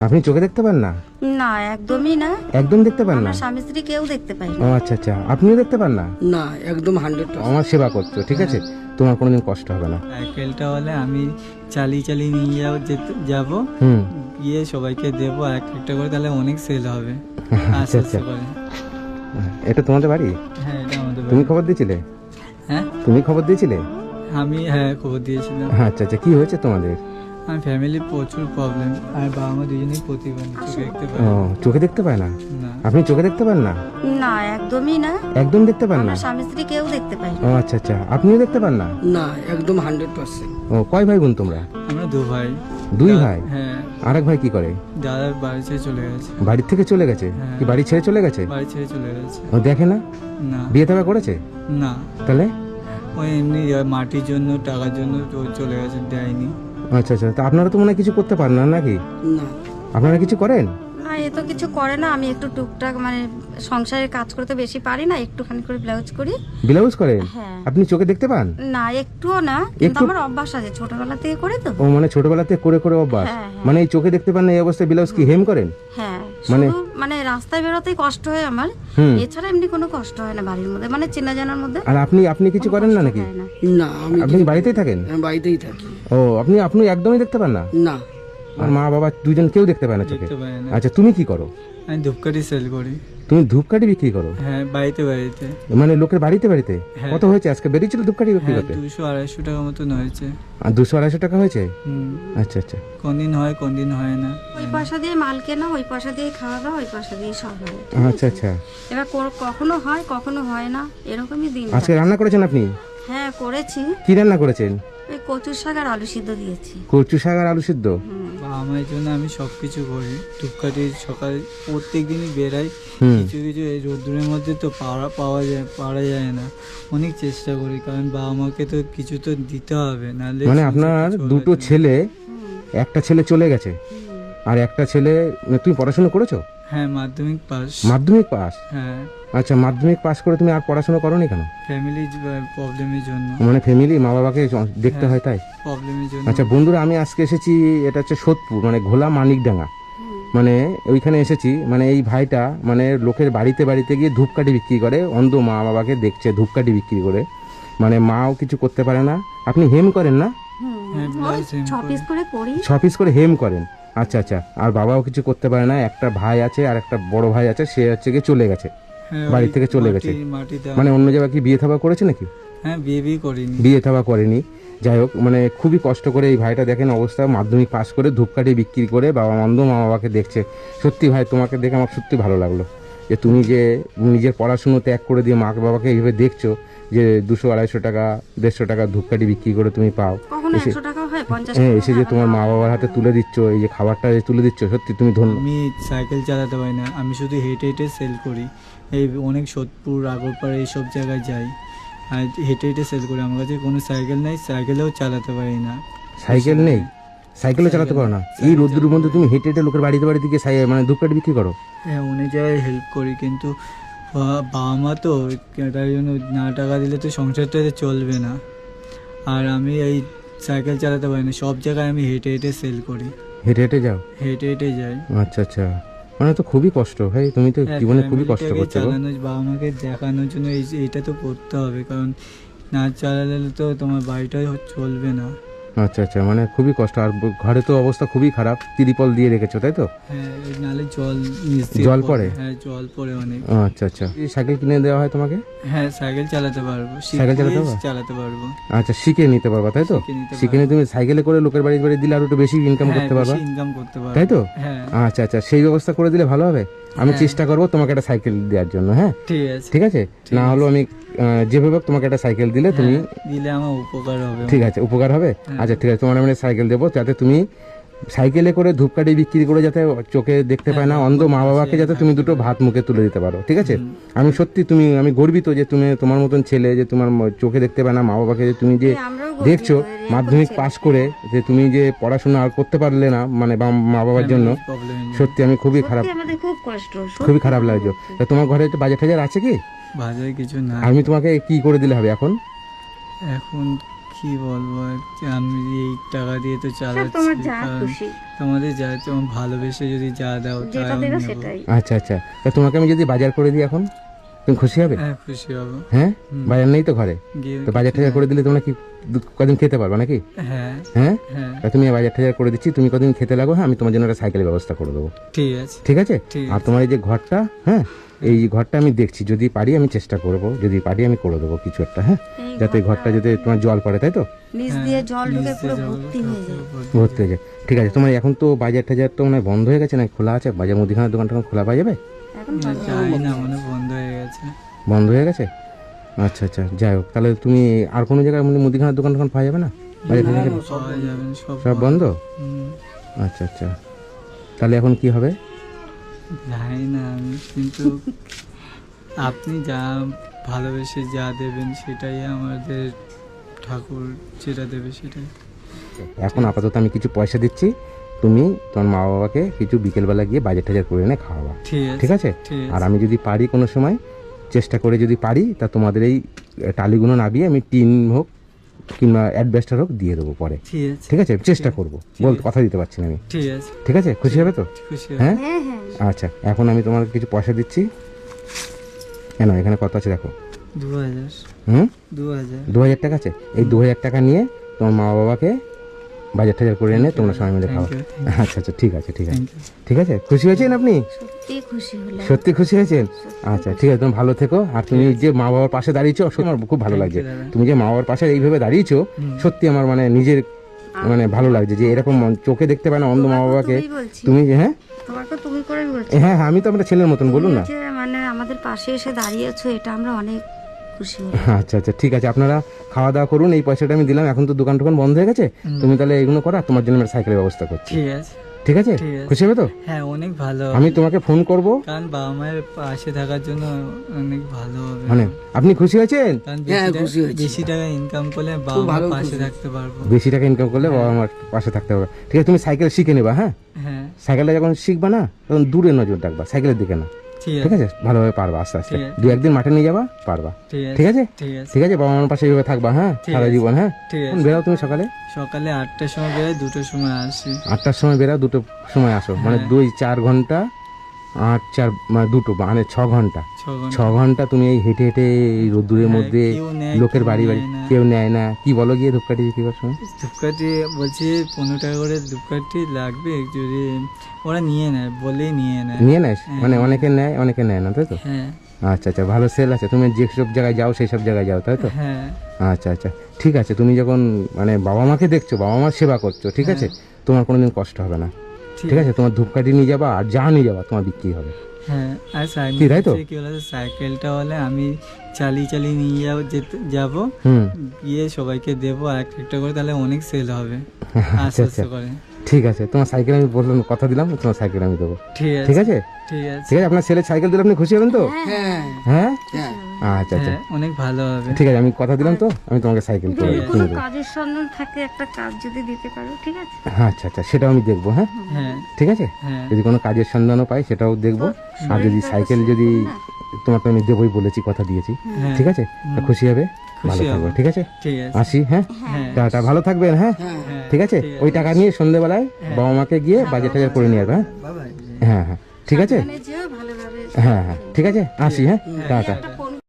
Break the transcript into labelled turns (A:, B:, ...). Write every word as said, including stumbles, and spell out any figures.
A: আপনি চোখে দেখতে পান না?
B: না, একদমই না।
A: একদম দেখতে পান না?
B: আমার স্বামী স্ত্রী কেউ দেখতে পায়
A: ও
B: না।
A: আচ্ছা আচ্ছা, আপনিও দেখতে পান না?
C: না, একদম হান্ড্রেড পার্সেন্ট।
A: আমার সেবা করছো, ঠিক আছে, তোমার কোনোদিন কষ্ট হবে না।
D: সাইকেলটা হলে আমি চালিয়ে চালিয়ে নিয়ে যাবো, যেতে যাবো,
A: হুম।
D: গিয়ে সবাইকে দেবো এক একটা করে, তাহলে অনেক সেল হবে।
A: আচ্ছা
D: আস্তে
A: আচ্ছা,
D: আস্তে করে।
A: এটা তোমাদের বাড়ি?
D: হ্যাঁ, এটা আমাদের
A: তুমি
D: বাড়ি।
A: খবর দিয়েছিলে?
D: হ্যাঁ,
A: তুমি খবর দিয়েছিলে?
D: আমি হ্যাঁ খবর দিয়েছিলাম।
A: আচ্ছা আচ্ছা, কি হয়েছে তোমাদের?
D: আমার ফ্যামিলির প্রচুর প্রবলেম, আর বাবা মা দুজনেই প্রতিবন্ধী, চোখে দেখতে পায়
A: ও,
D: না।
A: চোখে দেখতে পায় না?
D: না,
A: আপনি চোখে দেখতে পান না?
B: না, একদমই না।
A: একদম দেখতে পান না?
B: আমার স্বামী স্ত্রী কেউ দেখতে পায় না।
A: ও আচ্ছা আচ্ছা, আপনিও দেখতে পান না?
C: না, একদম হান্ড্রেড পার্সেন্ট।
A: ও, কয় ভাই বোন তোমরা?
D: আমরা দু ভাই।
A: দুই
D: দা-
A: ভাই?
D: হ্যাঁ,
A: আরেক ভাই কি করে?
D: দাদা বাড়ি ছেড়ে চলে গেছে।
A: বাড়ি থেকে চলে গেছে?
D: হ্যাঁ।
A: কি বাড়ি ছেড়ে চলে গেছে?
D: বাড়ি ছেড়ে চলে গেছে।
A: ও দেখে না?
D: না
A: বিয়ে থাকা করেছে?
D: না,
A: তাহলে?
D: ওই এমনি মাটির জন্য, টাকার জন্য তো চলে গেছে, দেয়নি।
A: আচ্ছা আচ্ছা, তা আপনারা তো মনে হয় কিছু করতে পারেন না নাকি?
C: না,
A: আপনারা কিছু করেন?
B: না, এ তো কিছু করে না। আমি একটু টুকটাক মানে সংসারের কাজ করতে বেশি পারি না, একটুখানি করে ব্লাউজ করি।
A: ব্লাউজ করেন?
B: হ্যাঁ।
A: আপনি চোখে দেখতে পান?
B: না, একটুও না, কিন্তু
A: একটু-
B: আমার অভ্যাস আছে, ছোটবেলা থেকে করি তো।
A: ও মানে ছোটবেলাতে করে করে অভ্যাস।
B: হ্যাঁ, হ্যাঁ।
A: মানে এই চোখে দেখতে পান না এই অবস্থায় ব্লাউজ কি হেম করেন?
B: হ্যাঁ,
A: মানে-
B: শুধু মানে রাস্তায় বেরোতেই কষ্ট হয় আমার।
A: হুম।
B: এছাড়া এমনি কোনো কষ্ট হয় না বাড়ির মধ্যে, মানে চেনা জানার মধ্যে
A: আর আপনি আপনি কিছু
B: কোনো
A: করেন না
B: কষ্ট
A: নাকি?
B: হয় না।
C: না, আমি
A: আপনি বাড়িতেই থাকেন?
C: আমি বাড়িতেই থাকি।
A: ও, আপনি আপনি একদমই দেখতে পান না?
C: না,
A: আর মা বাবা দুজন কেউ দেখতে পায় না চোখে?
D: দেখতে পায় না।
A: আচ্ছা, তুমি কি করো?
D: আমি ধূপকাঠি সেল করি।
A: তুমি ধূপকাঠি বিক্রি করো?
D: হ্যাঁ, বাড়িতে বাড়িতে।
A: মানে লোকের বাড়িতে বাড়িতে?
D: হ্যাঁ।
A: কত হয়েছে আজকে বেরিয়েছিল ধূপকাঠি বিক্রি
D: হ্যাঁ,
A: করতে?
D: দুশো আড়াইশো টাকা মতন হয়েছে।
A: আর দুশো আড়াইশো টাকা হয়েছে?
D: হুম,
A: আচ্ছা আচ্ছা
D: কোন দিন হয় কোন দিন হয় না।
B: ওই পয়সা দিয়ে মাল কেনা, ওই পয়সা দিয়ে খাওয়া দাওয়া, ওই পয়সা দিয়ে সব হয়।
A: আচ্ছা আচ্ছা।
B: এবার কো- কখনো হয় কখনো হয় না, এরকমই দিন
A: আজকে
B: যায়।
A: রান্না করেছেন আপনি?
B: হ্যাঁ, করেছি।
A: কি রান্না করেছেন?
B: ওই কচুর শাক আর আলু সিদ্ধ দিয়েছি।
A: কচু শাক আর আলু সিদ্ধ?
D: বাবা মায়ের জন্য আমি সব কিছু করি। ধূপকাঠি সকালে প্রত্যেক দিনই বেরাই।
A: হুম।
D: কিছু কিছু এই রোদ্দুরের মধ্যে তো পাওয়া পাওয়া যায় পারা যায় না, অনেক চেষ্টা করি, কারণ বাবা মাকে তো কিছু তো দিতে হবে, নাহলে
A: মানে
D: সংসার
A: আপনার
D: চলবে
A: দুটো
D: না।
A: ছেলে, একটা ছেলে চলে গেছে আর একটা ছেলে, তুমি পড়াশোনা করেছো?
D: হ্যাঁ, মাধ্যমিক পাস।
A: মাধ্যমিক পাস?
D: হ্যাঁ,
A: আচ্ছা, মাধ্যমিক পাস করে তুমি আর পড়াশোনা করোনি কেন?
D: ফ্যামিলি প্রবলেমের জন্য।
A: মানে ফ্যামিলি, মা বাবাকে দেখতে হয় তাই?
D: প্রবলেমের জন্য।
A: আচ্ছা বন্ধুরা, আমি আজকে এসেছি, এটা হচ্ছে সোদপুর, মানে ঘোলা মানিকডাঙ্গা, মানে ওইখানে এসেছি। মানে এই ভাইটা মানে লোকের বাড়িতে বাড়িতে গিয়ে ধূপকাঠি বিক্রি করে, অন্ধ মা বাবাকে দেখছে ধূপকাঠি বিক্রি করে, মানে মাও কিছু করতে পারে না। আপনি হেম করেন না?
D: হ্যাঁ,
B: ওই
D: ব্লাউজ হেম
B: ছ
D: করি।
B: পিস করে করি।
A: ছ পিস করে হেম করেন? আচ্ছা আচ্ছা। আর বাবাও কিছু করতে পারে না, একটা ভাই আছে আর একটা বড় ভাই আছে, সে হচ্ছে গিয়ে চলে গেছে,
D: হ্যাঁ,
A: বাড়ি
D: ওই
A: থেকে চলে
D: মাটি-
A: গেছে।
D: মাটি দেওয়া।
A: মানে অন্য জায়গায় কি বিয়ে থাবা করেছে নাকি?
D: হ্যাঁ, বিয়ে বিয়ে করিনি।
A: বিয়ে থাবা করেনি। যাই হোক, মানে খুবই কষ্ট করে এই ভাইটা দেখেন অবস্থা, মাধ্যমিক পাস করে ধূপকাঠি বিক্রি করে বাবা অন্ধ মা বাবাকে দেখছে। সত্যি ভাই, তোমাকে দেখে আমার সত্যি ভালো লাগলো যে তুমি যে নিজের পড়াশুনো ত্যাগ করে দিয়ে মা বাবাকে এইভাবে দেখছো, যে দুশো আড়াইশো টাকা দেড়শো টাকা ধূপকাঠি বিক্রি করে তুমি পাও,
B: কখনো
A: এসে
B: একশো টাকা হয়, পঞ্চাশ
A: হ্যাঁ
B: টাকা
A: এসে যে
B: হয়,
A: তোমার
B: আবার
A: মা বাবার হাতে তুলে দিচ্ছ, এই যে খাবারটা যে তুলে দিচ্ছ, সত্যি তুমি ধন্য।
D: আমি সাইকেল চালাতে পারি না, আমি শুধু হেঁটে হেঁটে সেল করি। এই অনেক সোদপুর, আগরপাড়া এইসব জায়গায় যাই, আর হেঁটে হেঁটে সেল করি। আমার কাছে কোনো সাইকেল নেই, সাইকেলেও চালাতে পারি না।
A: সাইকেল নেই? সাইকেলও চালাতে পারো না? এই রোদ্দুর মধ্যে তুমি হেঁটে হেঁটে লোকের বাড়িতে বাড়িতে গিয়ে সাই- মানে ধূপকাঠি বিক্রি করো?
D: হ্যাঁ, অনেক জায়গায় হেল্প করি, কিন্তু বা- বাবা মা তো তার জন্য না টাকা দিলে তো সংসারটা চলবে না। আর আমি এই সাইকেল চালাতে পারি না, সব জায়গায় আমি হেঁটে হেঁটে সেল করি,
A: হেঁটে হেঁটে যাও?
D: হেঁটে হেঁটে যাই।
A: আচ্ছা আচ্ছা, মানে তো খুবই কষ্ট ভাই, তুমি তো
D: হ্যাঁ,
A: জীবনে খুবই কষ্ট
D: ফ্যামিলিটাকে
A: করছো গো।
D: চালানো, বাবা মাকে দেখানোর জন্য এই এইটা তো করতে হবে, কারণ না চালালে তো তোমার বাড়িটা চলবে না।
A: আচ্ছা আচ্ছা, মানে খুবই কষ্ট। আর ব- ঘরে তো অবস্থা খুবই খারাপ, তিরিপল দিয়ে রেখেছো তাই তো?
D: হ্যাঁ, এই নালে জল নিচ দিয়ে
A: জল পড়ে?
D: হ্যাঁ, জল পড়ে অনেক।
A: আচ্ছা আচ্ছা, এই সাইকেল কিনে দেওয়া হয় তোমাকে?
D: হ্যাঁ, সাইকেল চালাতে পারবো,
A: সাইকেল চালাতে
D: শিখলেই
A: পারবা?
D: চালাতে পারবো।
A: আচ্ছা, শিখে নিতে পারবা তাই তো?
D: শিখে নিতে
A: শিখে নিয়ে তুমি সাইকেলে করে লোকের বাড়ি বাড়ি দিলে আর একটু বেশি ইনকাম
D: হ্যাঁ,
A: করতে পারবা,
D: বেশি ইনকাম করতে পারবো,
A: তাই তো?
D: হ্যাঁ,
A: আচ্ছা আচ্ছা, সেই ব্যবস্থা করে দিলে ভালো হবে। আমি
D: হ্যাঁ।
A: চেষ্টা করবো তোমাকে একটা সাইকেল দেওয়ার জন্য। হ্যাঁ
D: ঠিক আছে।
A: ঠিক আছে, না হলেও আমি আহ, যেভাবে হোক তোমাকে একটা সাইকেল দিলে তুমি,
D: হ্যাঁ, দিলে আমার উপকার হবে।
A: ঠিক আছে, উপকার হবে।
D: হ্যাঁ।
A: আচ্ছা ঠিক আছে, তোমার আমি সাইকেল দেবো, যাতে তুমি সাইকেলে করে ধূপকাঠি বিক্রি করে যাতে চোখে দেখতে পায় না
D: হ্যাঁ,
A: অন্ধ মা বাবাকে যাতে তুমি দুটো ভাত মুখে তুলে দিতে পারো, ঠিক আছে? আমি সত্যি তুমি, আমি গর্বিত যে তুমি, তোমার মতন ছেলে যে তোমার ম- চোখে দেখতে পায় না মা বাবাকে, যে তুমি যে
B: হ্যাঁ, আমরাও গর্বিত,
A: দেখছো
B: এরকম
A: মাধ্যমিক
B: ছেলে।
A: পাস করে যে তুমি যে পড়াশোনা আর করতে পারলে না, মানে বা- মা বাবার জন্য,
D: প্রবলেম
A: সত্যি আমি খুবই খারাপ,
B: সত্যি আমাদের খুব কষ্ট, সত্যি।
A: খুবই খারাপ লাগছে। তা তোমার ঘরে একটু বাজার টাজার আছে কি?
D: বাজারে কিছু না।
A: আমি তোমাকে কি করে দিলে হবে এখন?
D: এখন কি বলবো আর কি, আমি এই টাকা দিয়ে তো
B: সব তোমার
D: চালাচ্ছি
B: যা
D: কারণ
B: খুশি
D: তোমাদের যা তোমার ভালোবেসে যদি যা দাও তাই
B: যেটা
D: আমি
B: দেবে
D: নেবো।
B: সেটাই।
A: আচ্ছা আচ্ছা তা তোমাকে আমি যদি বাজার করে দিই এখন তুমি খুশি হবে?
D: হ্যাঁ খুশি হবো।
A: হ্যাঁ
D: হুম।
A: বাজার নেই তো ঘরে,
D: গিয়ে
A: তো বাজার টাজার করে দিলে তোমরা কি দু- কদিন খেতে পারবে নাকি?
D: হ্যাঁ
A: হ্যাঁ
D: হ্যাঁ
A: তা তুমি বাজার টাজার করে দিচ্ছি, তুমি কদিন খেতে লাগো, হ্যাঁ আমি তোমার জন্য একটা সাইকেলের ব্যবস্থা করে দেবো,
D: ঠিক আছে
A: ঠিক আছে?
D: ঠিক
A: আর তোমার এই যে ঘরটা, হ্যাঁ এই ঘরটা আমি দেখছি, যদি পারি আমি চেষ্টা করব, যদি পারি আমি করে দেবো কিছু একটা, হ্যাঁ
B: এই
A: যাতে ঘরটা যাতে তোমার জল পড়ে, তাই তো?
B: নিচ
D: হ্যাঁ,
B: দিয়ে জল ঢুকে
D: নিচে
B: পুরো
D: জল
B: ভর্তি হয়ে যায়।
D: ভর্তি
A: ভর্তি হয়ে যায়, ঠিক আছে। তোমার এখন তো বাজার টাজার তো মানে বন্ধ হয়ে গেছে না খোলা আছে? বাজার মুদিখানার দোকানটা এখন খোলা পাওয়া যাবে?
B: এখন
D: না,
B: ভালো।
D: জানি না মানে বন্ধ হয়ে গেছে।
A: বন্ধ হয়ে গেছে? আচ্ছা আচ্ছা, যাই হোক, তাহলে তুমি আর কোনো জায়গায় মানে মুদিখানার দোকান টোকান পাওয়া যাবে না? বাজার টাজার
D: পাওয়া যাবে না, সব
A: সব বন্ধ?
D: হুম,
A: আচ্ছা আচ্ছা, তাহলে এখন কি হবে?
D: জানি না আমি, কিন্তু আপনি যা ভালোবেসে যা দেবেন সেটাই আমাদের ঠাকুর যেটা দেবে সেটাই।
A: এখন আপাতত আমি কিছু পয়সা দিচ্ছি, তুমি তোমার মা বাবাকে কিছু বিকেলবেলা গিয়ে বাজার টাজার করে এনে খাওয়াবা,
D: ঠিক আছে
A: ঠিক আছে?
D: ঠিক
A: আর
D: আছে
A: আমি যদি পারি কোনো সময় চেষ্টা করে যদি পারি তা তোমাদের এই টালিগুলো নাবিয়ে আমি টিন হোক কিংবা অ্যাডভেস্টার হোক দিয়ে দেবো পরে,
D: ঠিক আছে
A: ঠিক আছে? চেষ্টা করবো, বল কথা দিতে পারছি না আমি,
D: ঠিক আছে
A: ঠিক আছে? খুশি হবে তো?
D: খুশি
A: হ্যাঁ
B: হ্যাঁ হ্যাঁ
A: আচ্ছা, এখন আমি তোমার কিছু পয়সা দিচ্ছি, কেন এখানে কত আছে দেখো,
D: দু হাজার
A: হুম
D: দু হাজার
A: দু হাজার টাকা আছে, এই দু হাজার টাকা নিয়ে তোমার মা বাবাকে বাজার টাজার করে এনে তোমরা সবাই মিলে খাও।
D: Thank you,
A: আচ্ছা আচ্ছা, ঠিক আছে ঠিক আছে
D: থ্যাংক ইউ।
A: ঠিক আছে, খুশি হয়েছেন আপনি?
B: সত্যি খুশি হলাম।
A: সত্যি খুশি হয়েছেন? আচ্ছা ঠিক আছে, তুমি ভালো থেকো। আর তুমি যে মা বাবার পাশে দাঁড়িয়েছো সত্যি আমার খুব ভালো
D: Thank
A: লাগছে,
D: you, দাদা।
A: তুমি যে মা বাবার পাশে এইভাবে দাঁড়িয়েছো
D: হুম।
A: সত্যি আমার মানে নিজের মানে ভালো লাগছে যে এরকম মন- চোখে দেখতে পায় না অন্ধ মা
B: তোমাকেও
A: বাবাকে,
B: তুমিই বলছি।
A: তুমি যে হ্যাঁ
B: তোমাকে তুমি করে বলছি।
A: হ্যাঁ হ্যাঁ আমি তো আপনার ছেলের মতন, বলুন না।
B: তুমি যে মানে আমাদের পাশে এসে দাঁড়িয়েছো এটা আমরা অনেক খুশি হলাম।
A: আচ্ছা আচ্ছা ঠিক আছে, আপনারা খাওয়া দাওয়া করুন, এই পয়সাটা আমি দিলাম, এখন তো দোকান টোকান বন্ধ হয়ে গেছে,
D: হুম।
A: তুমি তাহলে এগুলো করো, আর তোমার জন্য আমি সাইকেলের ব্যবস্থা করছি,
D: ঠিক আছে
A: ঠিক আছে?
D: ঠিক আছে।
A: খুশি হবে তো?
D: হ্যাঁ অনেক ভালো
A: আমি তোমাকে ফোন করব,
D: কারণ বাবা মায়ের পাশে থাকার জন্য অনেক ভালো হবে।
A: মানে আপনি খুশি হয়েছেন?
D: কারণ
C: হ্যাঁ,
D: বেশি
C: খুশি
D: টাকা-
C: হয়েছি।
D: বেশি টাকা ইনকাম করলে বাবা
C: খুব
D: মার
C: ভালো
D: পাশে
C: খুশি।
D: থাকতে পারবো।
A: বেশি টাকা ইনকাম করলে বাবা আমার পাশে থাকতে হবে, ঠিক আছে? তুমি সাইকেল শিখে নেবা, হ্যাঁ
D: হ্যাঁ
A: সাইকেলটা যখন শিখবা না তখন দূরে নজর রাখবা, সাইকেলের দিকে না,
D: ঠিক
A: ঠিক
D: আছে
A: আছে? ভালোভাবে পারবা আস্তে আস্তে,
D: ঠিক আছে।
A: দু একদিন মাঠে নিয়ে যাবা, পারবা,
D: ঠিক আছে
A: ঠিক আছে?
D: ঠিক আছে
A: ঠিক আছে, বাবা মার পাশে এইভাবে থাকবা, হ্যাঁ
D: ঠিক
A: সারা
D: আছে।
A: জীবন, হ্যাঁ?
D: ঠিক
A: এখন
D: আছে
A: বেরাও তুমি সকালে
D: সকালে আটটার সময় বেরোয়, দুটোর সময় আসি।
A: আটটার সময় বেরাও, দুটো সময় আসো, মানে
D: হ্যাঁ।
A: দুই চার ঘন্টা, আট চার মানে দুটো মানে ছ ঘন্টা,
D: ছ ঘন্টা
A: ছ ঘন্টা তুমি এই হেঁটে হেঁটে এই রোদ্দুরের
D: হ্যাঁ,
A: মধ্যে
D: কেউ নেয়,
A: লোকের
D: কেউ
A: বাড়ি বাড়ি
D: নেয় না।
A: কেউ নেয় না, কি বলো গিয়ে ধূপকাঠি বিক্রি করার সময়?
D: ধূপকাঠি বলছি পনেরো টাকা করে ধূপকাঠি লাগবে, যদি ওরা নিয়ে নেয় বলেই নিয়ে নেয়।
A: নিয়ে নেয়
D: হ্যাঁ।
A: মানে অনেকে নেয় অনেকে নেয় না, তাই তো?
D: হ্যাঁ
A: আচ্ছা আচ্ছা, ভালো সেল আছে, তুমি যেসব জায়গায় যাও সেই সব জায়গায় যাও, তাই তো?
D: হ্যাঁ
A: আচ্ছা আচ্ছা ঠিক আছে, তুমি যখন মানে বাবা মাকে দেখছো, বাবা মার সেবা করছো, ঠিক আছে, তোমার কোনোদিন কষ্ট হবে না, ঠিক আছে? তোমার ধূপকাঠি নিয়ে যাবা আর যা নিয়ে যাবা তোমার বিক্রি হবে,
D: হ্যাঁ আর
A: কি, তাই তো?
D: সাইকেল কি বলে, সাইকেলটা হলে আমি চালিয়ে চালিয়ে নিয়ে যাবো, যেতে যাবো,
A: হুম
D: গিয়ে সবাইকে দেবো আর একটা একটা করে, তাহলে অনেক সেল হবে
A: আচ্ছা
D: আস্তে
A: আচ্ছা
D: আস্তে করে।
A: ঠিক আছে, তোমার সাইকেল আমি বললাম, কথা দিলাম তোমার সাইকেল আমি দেবো,
D: ঠিক আছে
A: ঠিক আছে?
D: ঠিক আছে
A: ঠিক আছে, আপনার ছেলে সাইকেল দিলে আপনি খুশি হবেন তো?
C: হ্যাঁ
A: হ্যাঁ
C: হ্যাঁ
A: আচ্ছা আচ্ছা
D: হ্যাঁ অনেক ভালো হবে।
A: ঠিক আছে, আমি কথা দিলাম তো, আমি তোমাকে সাইকেল করে
B: যদি
A: কিনে
B: কোনো
A: দেবো।
B: কাজের সন্ধান থাকে একটা কাজ যদি দিতে পারো, ঠিক আছে?
A: আচ্ছা আচ্ছা, সেটাও আমি দেখবো, হ্যাঁ
D: হ্যাঁ
A: ঠিক আছে,
D: হ্যাঁ
A: যদি কোনো কাজের সন্ধানও পাই সেটাও দেখবো, আর যদি সাইকেল যদি তোমার তো আমি দেবোই বলেছি, কথা দিয়েছি,
D: হ্যাঁ
A: ঠিক আছে? তা খুশি হবে, ভালো
D: খুশি
A: থাকবে,
D: হব।
A: ঠিক আছে?
D: ঠিক আছে
A: আসি, হ্যাঁ
D: হ্যাঁ
A: টাটা, ভালো থাকবেন, হ্যাঁ
C: হ্যাঁ
D: হ্যাঁ
A: ঠিক আছে? ওই টাকা নিয়ে সন্ধ্যেবেলায় বাবা মাকে গিয়ে বাজার টাজার করে নিয়ে আসবে, হ্যাঁ
D: বাবাই
A: হ্যাঁ হ্যাঁ ঠিক আছে,
B: মানে যেও ভালোভাবে
A: হ্যাঁ হ্যাঁ ঠিক আছে, আসি, হ্যাঁ টাটা।
B: একটা